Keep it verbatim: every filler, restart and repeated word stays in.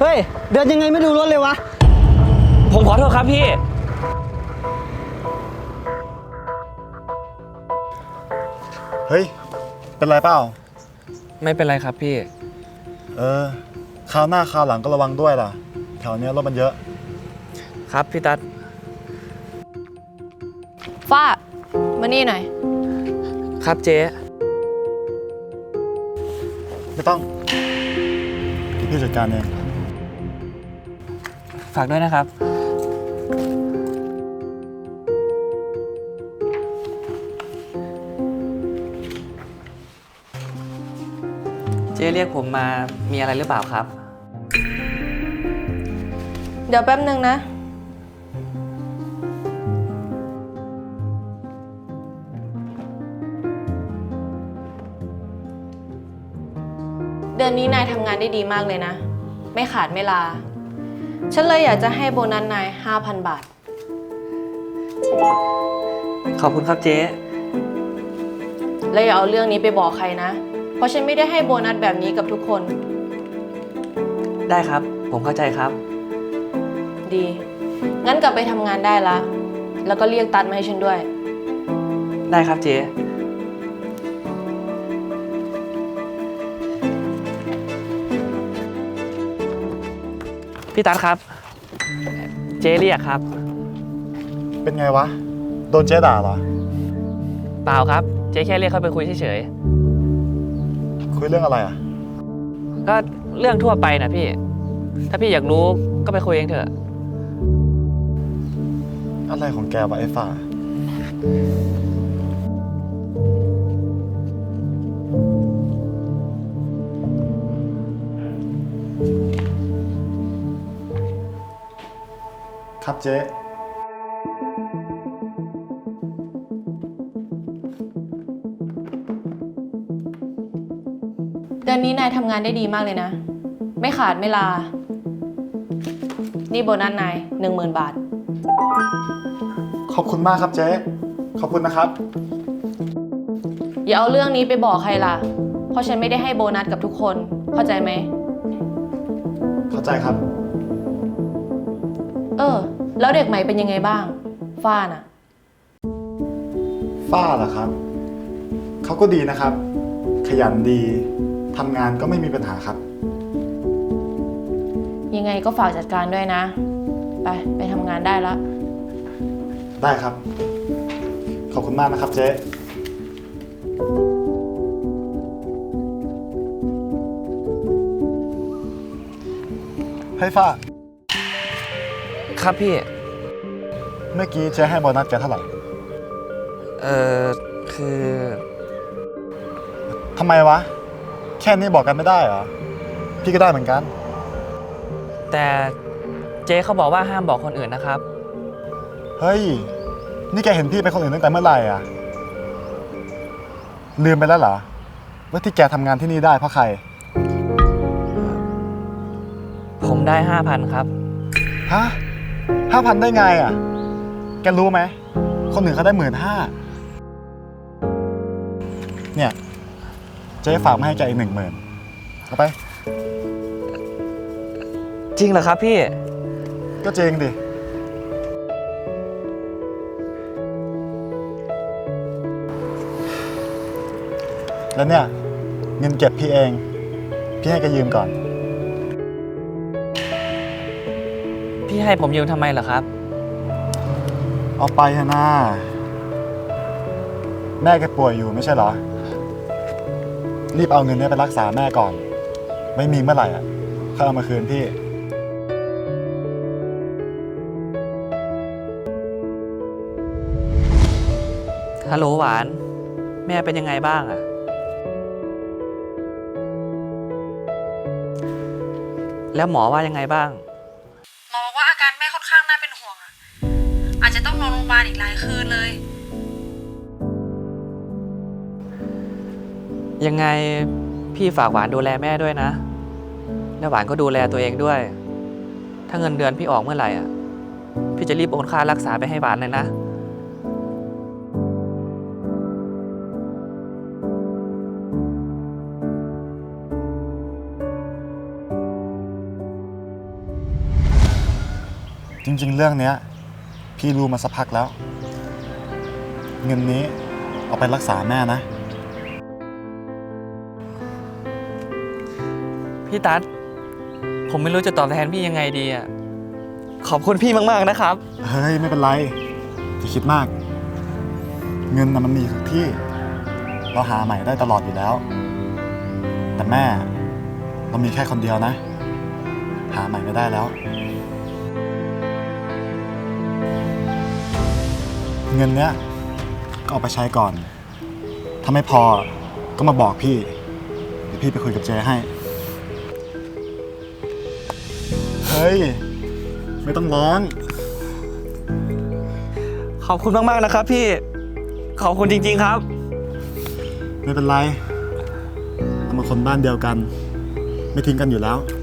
เฮ้ยเดินยังไงไม่ดูรถเลยวะผมขอโทษครับพี่เฮ้ยเป็นไรเปล่าไม่เป็นไรครับพี่เออคราวหน้าคราวหลังก็ระวังด้วยล่ะแถวนี้รถมันเยอะครับพี่ตั๊ดฟ้ามานี่หน่อยครับเจ๊ไม่ต้องพี่จัดการเองฝากด้วยนะครับเจ๊เรียกผมมามีอะไรหรือเปล่าครับเดี๋ยวแป๊บนึงนะเดือนนี้นายทำงานได้ดีมากเลยนะไม่ขาดไม่ลาฉันเลยอยากจะให้โบนัสนาย ห้าพัน บาทขอบคุณครับเจ๊แล้วอย่าเอาเรื่องนี้ไปบอกใครนะเพราะฉันไม่ได้ให้โบนัสแบบนี้กับทุกคนได้ครับผมเข้าใจครับดีงั้นกลับไปทำงานได้ละแล้วก็เรียกตัดมาให้ฉันด้วยได้ครับเจ๊พี่ตั๊ดครับเจ๊เรียกครับเป็นไงวะโดนเจ๊ด่าเหรอเปล่าครับเจ๊แค่เรียกเข้าไปคุยเฉยๆคุยเรื่องอะไรอ่ะก็เรื่องทั่วไปนะพี่ถ้าพี่อยากรู้ก็ไปคุยเองเถอะอะไรของแกวะไอ้ฝ่าครับเจ๊เดือนนี้นายทำงานได้ดีมากเลยนะไม่ขาดไม่ลานี่โบนัสนายหนึ่งหมื่นบาทขอบคุณมากครับเจ๊ขอบคุณนะครับอย่าเอาเรื่องนี้ไปบอกใครล่ะเพราะฉันไม่ได้ให้โบนัสกับทุกคนเข้าใจไหมเข้าใจครับเออแล้วเด็กใหม่เป็นยังไงบ้างฝ้าน่ะฝ้าเหรอครับเขาก็ดีนะครับขยันดีทำงานก็ไม่มีปัญหาครับยังไงก็ฝากจัดการด้วยนะไปไปทำงานได้ละได้ครับขอบคุณมากนะครับเจ๊ให้ฝ้าครับพี่เมื่อกี้เจ๊ให้โบนัสแกเท่าไหร่เออคือทำไมวะแค่นี้บอกกันไม่ได้เหรอพี่ก็ได้เหมือนกันแต่เจ๊เขาบอกว่าห้ามบอกคนอื่นนะครับเฮ้ยนี่แกเห็นพี่เป็นคนอื่นตั้งแต่เมื่อไหร่อ่ะลืมไปแล้วเหรอว่าที่แกทำงานที่นี่ได้เพราะใครผมได้ห้าพันครับฮะห้าพันได้ไงอ่ะแกรู้ไหมคนอื่นเขาได้หมื่นห้าเนี่ยเจ๊ฝากมาให้แกอีกหนึ่งหมื่นเอาไปจริงเหรอครับพี่ก็จริงดิแล้วเนี่ยเงินเก็บพี่เองพี่ให้แกยืมก่อนพี่ให้ผมยืมทำไมเหรอครับเอาไปเถอะนะแม่แกป่วยอยู่ไม่ใช่เหรอรีบเอาเงินนี้ไปรักษาแม่ก่อนไม่มีเมื่อไหร่อ่ะค่อยเอามาคืนพี่ฮัลโหลหวานแม่เป็นยังไงบ้างอะแล้วหมอว่ายังไงบ้างหมอบอกว่าอาการแม่ค่อนข้างน่าเป็นห่วงอ่ะอาจจะต้องนอนโรงพยาบาลอีกหลายคืนเลยยังไงพี่ฝากหวานดูแลแม่ด้วยนะแล้วหวานก็ดูแลตัวเองด้วยถ้าเงินเดือนพี่ออกเมื่อไหร่อ่ะพี่จะรีบโอนค่ารักษาไปให้หวานเลยนะจริงๆ เรื่องเนี้ยพี่รู้มาสักพักแล้ว เงินนี้เอาไปรักษาแม่นะพี่ตั๊ดผมไม่รู้จะตอบแทนพี่ยังไงดีอ่ะ ขอบคุณพี่มากๆนะครับเฮ้ย ไม่เป็นไรอย่าคิดมาก เงินน่ะมันมีทุกที่ เราหาใหม่ได้ตลอดอยู่แล้ว แต่แม่เรามีแค่คนเดียวนะ หาใหม่ไม่ได้แล้ว เงินเนี้ยก็เอาไปใช้ก่อน ถ้าไม่พอก็มาบอกพี่ เดี๋ยวพี่ไปคุยกับเจให้ เฮ้ย ไม่ต้องร้องขอบคุณมากๆนะครับพี่ ขอบคุณจริงๆครับไม่เป็นไรเรามาคนบ้านเดียวกัน ไม่ทิ้งกันอยู่แล้ว